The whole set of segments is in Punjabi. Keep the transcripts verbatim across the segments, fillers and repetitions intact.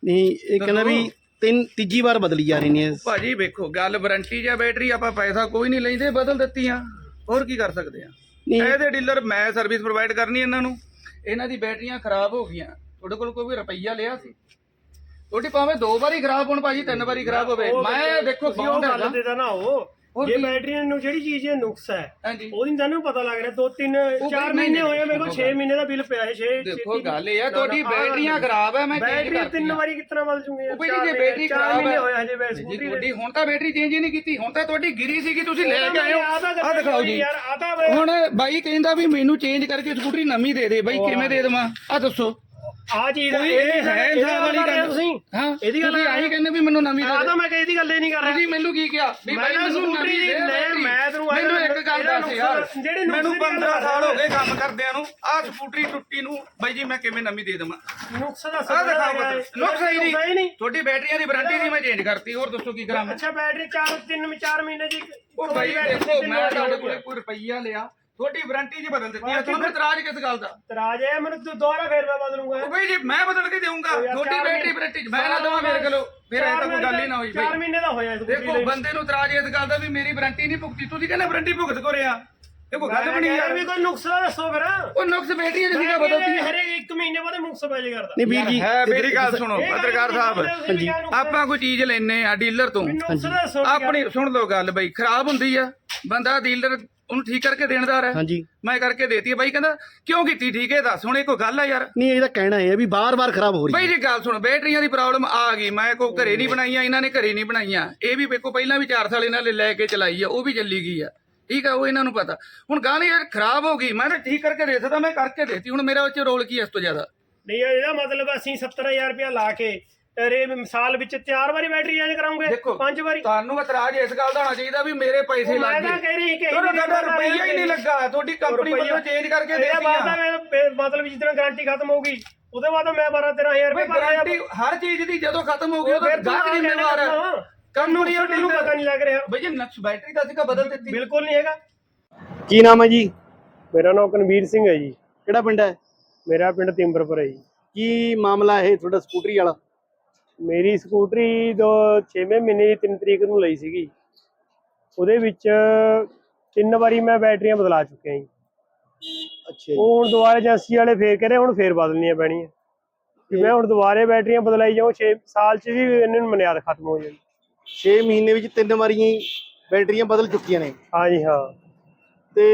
नहीं ये कहना भी तीन तीजी बार बदली जा रही है ਭਾਜੀ ਵੇਖੋ ਗੱਲ ਵਾਰੰਟੀ ਜਾਂ ਬੈਟਰੀ ਆਪਾਂ ਪੈਸਾ ਕੋਈ ਨਹੀਂ ਲੈਂਦੇ ਬਦਲ ਦਿੱਤੀਆਂ ਹੋਰ ਕੀ ਕਰ ਸਕਦੇ ਆ ਇਹਦੇ ਡੀਲਰ ਮੈਂ ਸਰਵਿਸ ਪ੍ਰੋਵਾਈਡ ਕਰਨੀ ਇਹਨਾਂ ਨੂੰ ਇਹਨਾਂ ਦੀ ਬੈਟਰੀਆਂ ਖਰਾਬ ਹੋ ਗਈਆਂ ਤੁਹਾਡੇ ਕੋਲ ਕੋਈ ਰੁਪਈਆ ਲਿਆ ਸੀ ਤੁਹਾਡੀ ਭਾਵੇਂ ਦੋ ਵਾਰੀ ਖਰਾਬ ਹੋਣ ਭਾਜੀ ਤਿੰਨ ਵਾਰੀ ਖਰਾਬ ਹੋਵੇ ਮੈਂ ਦੇਖੋ ਉਹ ਗੱਲ ਤੇ ਤਾਂ ਨਾ ਉਹ ये बैटरी ਨੂੰ ਜਿਹੜੀ ਚੀਜ਼ ਇਹ ਨੁਕਸ ਹੈ ਉਹਦੀ ਤੁਹਾਨੂੰ ਪਤਾ ਲੱਗ ਰਿਹਾ ਦੋ ਤਿੰਨ ਚਾਰ ਮਹੀਨੇ ਹੋਏ ਮੇਰੇ ਕੋਲ ਛੇ ਮਹੀਨੇ ਦਾ ਬਿੱਲ ਪਿਆ ਹੈ ਛੇ ਦੇਖੋ ਗੱਲ ਇਹ ਹੈ ਤੁਹਾਡੀ ਬੈਟਰੀਆਂ ਖਰਾਬ ਹੈ ਮੈਂ ਬੈਟਰੀ ਤਿੰਨ ਵਾਰੀ ਕਿਤਨਾ ਬਦਲ ਜੂਗੇ ਉਹ ਭਾਈ ਜੇ ਬੈਟਰੀ ਖਰਾਬ ਹੈ ਹੋਇਆ ਹਜੇ ਬੈਟਰੀ ਤੁਹਾਡੀ ਹੁਣ ਤਾਂ ਬੈਟਰੀ ਚੇਂਜ ਹੀ ਨਹੀਂ ਕੀਤੀ ਹੁਣ ਤਾਂ ਤੁਹਾਡੀ ਗਿਰੀ ਸੀਗੀ ਤੁਸੀਂ ਲੈ ਕੇ ਆਏ ਹੋ ਆ ਦਿਖਾਓ ਜੀ ਹੁਣ ਬਾਈ ਕਹਿੰਦਾ ਵੀ ਮੈਨੂੰ ਚੇਂਜ ਕਰਕੇ ਸਕੂਟਰੀ ਨਵੀਂ ਦੇ ਦੇ ਬਾਈ ਕਿਵੇਂ ਦੇ ਦੇਵਾਂ ਆ ਦੱਸੋ ਆ ਚੀਜ਼ ਇਹ ਹੈ ਇਨਸਾਨ ਵਾਲੀ ਗੱਲ ਤੁਸੀਂ ਹਾਂ ਇਹਦੀ ਗੱਲ ਆਹੀ ਕਹਿੰਦੇ ਵੀ ਮੈਨੂੰ ਨਵੀਂ ਦੇ ਆ ਤਾਂ ਮੈਂ ਇਹਦੀ ਗੱਲ ਹੀ ਨਹੀਂ ਕਰ ਰਿਹਾ ਤੁਸੀਂ ਮੈਨੂੰ ਕੀ ਕਿਹਾ ਵੀ ਬਾਈ ਮੈਨੂੰ ਨਵੀਂ ਦੇ ਮੈਂ ਤੈਨੂੰ ਮੈਨੂੰ ਇੱਕ ਗੱਲ ਦੱਸ ਯਾਰ ਮੈਨੂੰ ਪੰਦਰਾਂ ਸਾਲ ਹੋ ਗਏ ਕੰਮ ਕਰਦਿਆਂ ਨੂੰ ਆ ਸਕੂਟਰੀ ਟੁੱਟੀ ਨੂੰ ਬਾਈ ਜੀ ਮੈਂ ਕਿਵੇਂ ਨਵੀਂ ਦੇ ਦੇਵਾਂ ਨੁਕਸ ਦਾ ਸਭ ਨੁਕਸ ਹੀ ਨਹੀਂ ਤੁਹਾਡੀ ਬੈਟਰੀਆਂ ਦੀ ਵਾਰੰਟੀ ਦੀ ਮੈਂ ਚੇਂਜ ਕਰਤੀ ਹੋਰ ਦੱਸੋ ਕੀ ਕਰਾਂ ਅੱਛਾ ਬੈਟਰੀ ਚਾਰ ਤਿੰਨ ਚਾਰ ਮਹੀਨੇ ਦੀ ਉਹ ਬਾਈ ਦੇਖੋ ਮੈਂ ਤੁਹਾਡੇ ਕੋਲ ਕੋਈ ਰੁਪਈਆ ਲਿਆ ਤੁਹਾਡੀ ਵਾਰੰਟੀ ਜੀ ਬਦਲ ਦਿੱਤੀ ਹੈ ਤੁਹਾਨੂੰ ਇਤਰਾਜ਼ ਕਿਸ ਗੱਲ ਦਾ ਇਤਰਾਜ਼ ਹੈ ਮੈਨੂੰ ਦੁਬਾਰਾ ਫੇਰ ਮੈਂ ਬਦਲੂਗਾ ਉਹ ਬਈ ਜੀ ਮੈਂ ਬਦਲ ਕੇ ਦੇਵਾਂਗਾ ਤੁਹਾਡੀ ਬੈਟਰੀ ਵਾਰੰਟੀ ਮੈਂ ਨਾ ਦਵਾਂ ਮੇਰੇ ਕੋਲੋਂ ਫਿਰ ਇਹ ਤਾਂ ਕੋਈ ਗੱਲ ਹੀ ਨਾ ਹੋਈ ਚਾਰ ਮਹੀਨੇ ਦਾ ਹੋਇਆ ਦੇਖੋ ਬੰਦੇ ਨੂੰ ਇਤਰਾਜ਼ ਇਸ ਗੱਲ ਦਾ ਵੀ ਮੇਰੀ ਵਾਰੰਟੀ ਨਹੀਂ ਭੁਗਤੀ ਤੁਸੀਂ ਕਹਿੰਦੇ ਵਾਰੰਟੀ ਭੁਗਤ ਕੋ ਰਿਆ ਇਹ ਕੋਈ ਗੱਲ ਬਣੀ ਯਾਰ ਵੀ ਕੋਈ ਨੁਕਸ ਦਾ ਦੱਸੋ ਫਿਰ ਉਹ ਨੁਕਸ ਬੈਟਰੀ ਜਿਹੜੀ ਦਾ ਬਦਲਦੀ ਹਰੇ ਇੱਕ ਮਹੀਨੇ ਬਾਅਦ ਨੁਕਸ ਪੈ ਕਰਦਾ ਨਹੀਂ ਵੀਰ ਜੀ ਹੈ ਮੇਰੀ ਗੱਲ ਸੁਣੋ ਪੱਤਰਕਾਰ ਸਾਹਿਬ ਆਪਾਂ ਕੋਈ ਚੀਜ਼ ਲੈਨੇ ਆ ਡੀਲਰ ਤੋਂ ਆਪਣੀ ਸੁਣ ਲਓ ਗੱਲ ਬਈ ਖਰਾਬ ਹੁੰਦੀ ਆ ਬੰਦਾ ਡੀਲਰ ਉਹਨੂੰ ਠੀਕ ਕਰਕੇ ਦੇਣਦਾਰ ਹੈ ਹਾਂਜੀ ਮੈਂ ਕਰਕੇ ਦੇਤੀ ਬਾਈ ਕਹਿੰਦਾ ਕਿਉਂ ਕੀਤੀ ਠੀਕ ਹੈ ਦੱਸ ਹੁਣ ਇਹ ਕੋਈ ਗੱਲ ਹੈ ਯਾਰ ਨਹੀਂ ਇਹਦਾ ਕਹਿਣਾ ਹੈ ਵੀ ਬਾਰ-ਬਾਰ ਖਰਾਬ ਹੋ ਰਹੀ ਹੈ ਬਾਈ ਜੀ ਗੱਲ ਸੁਣ ਬੈਟਰੀਆਂ ਦੀ ਪ੍ਰੋਬਲਮ ਆ ਗਈ ਮੈਂ ਕੋਈ ਘਰੇ ਨਹੀਂ ਬਣਾਈਆਂ ਇਹਨਾਂ ਨੇ ਘਰੇ ਨਹੀਂ ਬਣਾਈਆਂ ਇਹ ਵੀ ਵੇਖੋ ਪਹਿਲਾਂ ਵੀ ਚਾਰ ਸਾਲ ਇਹਨਾਂ ਨੇ ਲੈ ਕੇ ਚਲਾਈ ਆ ਉਹ ਵੀ ਚੱਲੀ ਗਈ ਆ ਠੀਕ ਆ ਉਹ ਇਹਨਾਂ ਨੂੰ ਪਤਾ ਹੁਣ ਗਾਣੀ ਯਾਰ ਖਰਾਬ ਹੋ ਗਈ ਮੈਂ ਤਾਂ ਠੀਕ ਕਰਕੇ ਦੇ ਸਕਦਾ ਮੈਂ ਕਰਕੇ ਦੇਤੀ ਹੁਣ ਮੇਰਾ ਵਿੱਚ ਰੋਲ ਕੀ ਇਸ ਤੋਂ ਜ਼ਿਆਦਾ ਨਹੀਂ ਇਹਦਾ ਮਤਲਬ ਅਸੀਂ ਸੱਤਰ ਹਜ਼ਾਰ ਰੁਪਇਆ ਲਾ ਕੇ ਰੇ ਸਾਲ ਵਿੱਚ ਚਾਰ ਵਾਰੀ ਬੈਟਰੀ ਚੇਂਜ ਕਰਾਉਂਗੇ ਪੰਜ ਵਾਰੀ ਤੁਹਾਨੂੰ ਇਤਰਾਜ਼ ਇਸ ਗੱਲ ਦਾ ਹੋਣਾ ਚਾਹੀਦਾ ਵੀ ਮੇਰੇ ਪੈਸੇ ਲੱਗ ਗਏ ਮੈਂ ਕਹਿ ਰਹੀ ਕਿ ਤੁਹਾਡਾ ਰੁਪਈਆ ਹੀ ਨਹੀਂ ਲੱਗਾ ਤੁਹਾਡੀ ਕੰਪਨੀ ਵੱਲੋਂ ਚੇਂਜ ਕਰਕੇ ਦੇਤੀ ਆ ਮਤਲਬ ਜਿਸ ਦਿਨ ਗਾਰੰਟੀ ਖਤਮ ਹੋਊਗੀ ਉਹਦੇ ਬਾਅਦ ਮੈਂ ਬਾਰਾਂ ਤੇਰਾਂ ਹਜ਼ਾਰ ਰੁਪਏ ਗਾਰੰਟੀ ਹਰ ਚੀਜ਼ ਦੀ ਜਦੋਂ ਖਤਮ ਹੋ ਗਈ ਉਦੋਂ ਗਾਹਕ ਜ਼ਿੰਮੇਵਾਰ ਹੈ ਕਾਨੂੰਨੀ ਨੂੰ ਪਤਾ ਨਹੀਂ ਲੱਗ ਰਿਹਾ ਬਈ ਜੀ ਨਕਸ਼ ਬੈਟਰੀ ਦਾ ਸੀਗਾ ਬਦਲ ਦਿੱਤੀ ਬਿਲਕੁਲ ਨਹੀਂ ਹੈਗਾ ਕੀ ਨਾਮ ਹੈ ਜੀ ਮੇਰਾ ਨਾਮ ਕਨਵੀਰ ਸਿੰਘ ਹੈ ਜੀ ਕਿਹੜਾ ਪਿੰਡ ਹੈ ਮੇਰਾ ਪਿੰਡ ਤਿੰਬਰਪੁਰ ਹੈ ਜੀ ਕੀ ਮਾਮਲਾ ਇਹ ਤੁਹਾਡਾ ਸਕੂਟਰੀ ਵਾਲਾ ਮੇਰੀ ਸਕੂਟਰੀ ਦੋ ਛੇਵੇਂ ਮਹੀਨੇ ਦੀ ਤਿੰਨ ਤਰੀਕ ਨੂੰ ਲਈ ਸੀਗੀ ਉਹਦੇ ਵਿੱਚ ਤਿੰਨ ਵਾਰੀ ਮੈਂ ਬੈਟਰੀਆਂ ਬਦਲਾ ਚੁੱਕਿਆ ਜੀ ਅੱਛਾ ਉਹ ਹੁਣ ਦੁਬਾਰਾ ਏਜੰਸੀ ਵਾਲੇ ਫੇਰ ਕਹ ਰਹੇ ਹੁਣ ਫੇਰ ਬਦਲਣੀਆਂ ਪੈਣੀਆਂ ਕਿ ਮੈਂ ਹੁਣ ਦੁਬਾਰੇ ਬੈਟਰੀਆਂ ਬਦਲਾਈ ਜਾਉਂ ਛੇ ਸਾਲ ਚ ਵੀ ਇਹਨਾਂ ਨੂੰ ਮਨਿਆਦ ਖਤਮ ਹੋ ਜਾਣੀ ਛੇ ਮਹੀਨੇ ਵਿੱਚ ਤਿੰਨ ਵਾਰੀਆਂ ਬੈਟਰੀਆਂ ਬਦਲ ਚੁੱਕੀਆਂ ਨੇ ਹਾਂਜੀ ਹਾਂ ਤੇ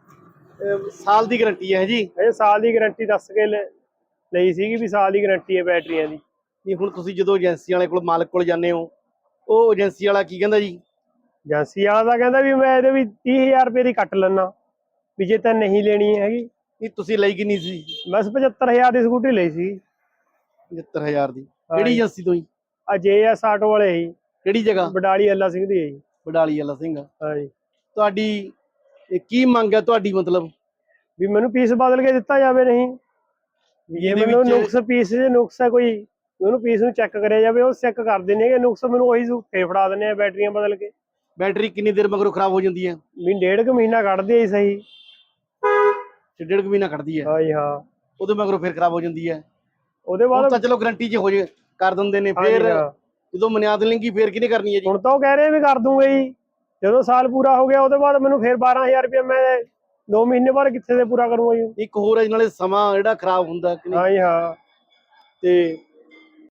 ਸਾਲ ਦੀ ਗਾਰੰਟੀ ਹੈ ਜੀ ਇਹ ਸਾਲ ਦੀ ਗਾਰੰਟੀ ਦੱਸ ਕੇ ਲਈ ਸੀਗੀ ਵੀ ਸਾਲ ਦੀ ਗਾਰੰਟੀ ਹੈ ਬੈਟਰੀਆਂ ਦੀ ਨਹੀਂ ਹੁਣ ਤੁਸੀਂ ਜਦੋਂ ਏਜੰਸੀ ਵਾਲੇ ਕੋਲ ਮਾਲਕ ਕੋਲ ਜਾਂਦੇ ਹੋ ਉਹ ਏਜੰਸੀ ਵਾਲਾ ਕੀ ਕਹਿੰਦਾ ਜੀ ਏਜੰਸੀ ਵਾਲਾ ਤਾਂ ਕਹਿੰਦਾ ਵੀ ਮੈਂ ਇਹਦੇ ਵੀ ਤੀਹ ਹਜ਼ਾਰ ਰੁਪਏ ਦੀ ਕੱਟ ਲੈਣਾ ਵੀ ਜੇ ਤਾਂ ਨਹੀਂ ਲੈਣੀ ਹੈਗੀ ਨਹੀਂ ਤੁਸੀਂ ਲਈ ਕਿੰਨੀ ਸੀ ਬਸ ਪਝੱਤਰ ਹਜ਼ਾਰ ਦੀ ਸਕੂਟਰੀ ਲਈ ਸੀ ਪਝੱਤਰ ਹਜ਼ਾਰ ਦੀ ਕਿਹੜੀ ਏਜੰਸੀ ਤੋਂ ਜੀ ਆ ਜੇ ਐਸ ਆਟੋ ਵਾਲੇ ਹੀ ਕਿਹੜੀ ਜਗ੍ਹਾ ਬਡਾਲੀ ਅੱਲਾ ਸਿੰਘ ਦੀ ਹੈ ਜੀ ਬਡਾਲੀ ਅੱਲਾ ਸਿੰਘ ਹਾਂਜੀ ਤੁਹਾਡੀ ਇਹ ਕੀ ਮੰਗ ਹੈ ਤੁਹਾਡੀ ਮਤਲਬ ਵੀ ਮੈਨੂੰ ਪੀਸ ਬਦਲ ਕੇ ਦਿੱਤਾ ਜਾਵੇ ਨਹੀਂ ਜੇ ਮੈਨੂੰ ਨੁਕਸ ਪੀਸ ਦੇ ਨੁਕਸ ਹੈ ਕੋਈ ਉਹਨੂੰ ਪੀਸ ਨੂੰ ਚੈੱਕ ਕਰਿਆ ਜਾਵੇ ਉਹ ਚੈੱਕ ਕਰ ਦਿੰਦੇ ਨੇ ਨੁਕਸ ਮੈਨੂੰ ਉਹੀ ਫੇਰ ਫੜਾ ਦਿੰਦੇ ਆ ਬੈਟਰੀਆਂ ਬਦਲ ਕੇ ਬੈਟਰੀ ਕਿੰਨੀ ਦੇਰ ਮਗਰੋਂ ਖਰਾਬ ਹੋ ਜਾਂਦੀ ਹੈ ਵੀ ਡੇਢ ਕੁ ਮਹੀਨਾ ਕੱਢਦੀ ਹੈ ਸਹੀ ਡੇਢ ਕੁ ਮਹੀਨਾ ਕੱਢਦੀ ਹੈ ਹਾਂਜੀ ਹਾਂ ਉਹਦੇ ਮਗਰੋਂ ਫੇਰ ਖਰਾਬ ਹੋ ਜਾਂਦੀ ਹੈ ਉਹਦੇ ਬਾਅਦ ਤਾਂ ਚਲੋ ਗਾਰੰਟੀ 'ਚ ਹੋ ਜੇ ਕਰ ਦਿੰਦੇ ਨੇ ਫੇਰ ਜਦੋਂ ਮਨਿਆਦ ਲੈਂਗੀ ਫੇਰ ਕਿਹਨੇ ਕਰਨੀ ਹੈ ਜੀ ਹੁਣ ਤਾਂ ਉਹ ਕਹਿ ਰਹੇ ਵੀ ਕਰ ਦੂੰਗੇ ਜੀ ਜਦੋਂ ਸਾਲ ਪੂਰਾ ਹੋ ਗਿਆ ਉਹਦੇ ਬਾਅਦ ਮੈਨੂੰ ਫੇਰ ਬਾਰਾਂ ਹਜ਼ਾਰ ਰੁਪਇਆ ਮੈਂ ਦੋ ਮਹੀਨੇ ਬਾਅਦ ਕਿੱਥੇ ਦੇ ਪੂਰਾ ਕਰੂੰਗਾ ਜੀ ਇੱਕ ਹੋਰ ਹੈ ਨਾਲੇ ਸਮਾਂ ਜਿਹੜਾ ਖਰਾਬ ਹੁੰਦਾ ਹਾਂਜੀ ਹਾਂ ਤੇ